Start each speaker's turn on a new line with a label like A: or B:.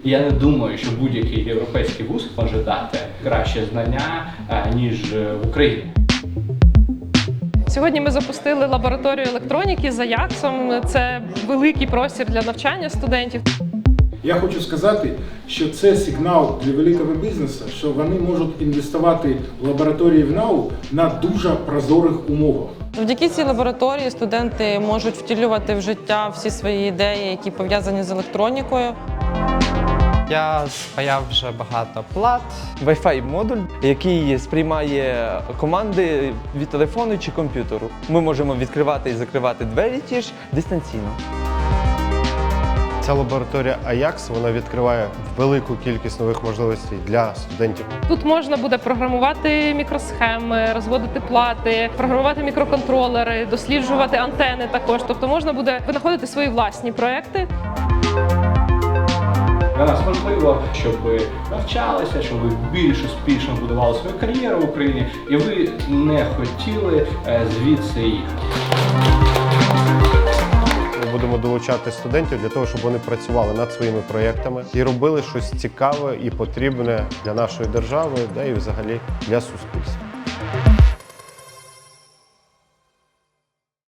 A: Я не думаю, що будь-який європейський вуз може дати краще знання, ніж в Україні.
B: Сьогодні ми запустили лабораторію електроніки за Аяксом. Це великий простір для навчання студентів.
C: Я хочу сказати, що це сигнал для великого бізнесу, що вони можуть інвестувати в лабораторії в НАУ на дуже прозорих умовах.
D: Завдяки цій лабораторії студенти можуть втілювати в життя всі свої ідеї, які пов'язані з електронікою.
E: Я спаяв вже багато плат. Wi-Fi модуль, який сприймає команди від телефону чи комп'ютеру. Ми можемо відкривати і закривати двері ті ж дистанційно.
F: Ця лабораторія Ajax, вона відкриває велику кількість нових можливостей для студентів.
B: Тут можна буде програмувати мікросхеми, розводити плати, програмувати мікроконтролери, досліджувати антени також. Тобто можна буде винаходити свої власні проекти.
A: Для нас важливо, щоб ви навчалися, щоб ви більш успішно будували свою кар'єру в Україні, і ви не хотіли звідси їхати.
F: Ми будемо долучати студентів для того, щоб вони працювали над своїми проєктами і робили щось цікаве і потрібне для нашої держави, да і взагалі для суспільства.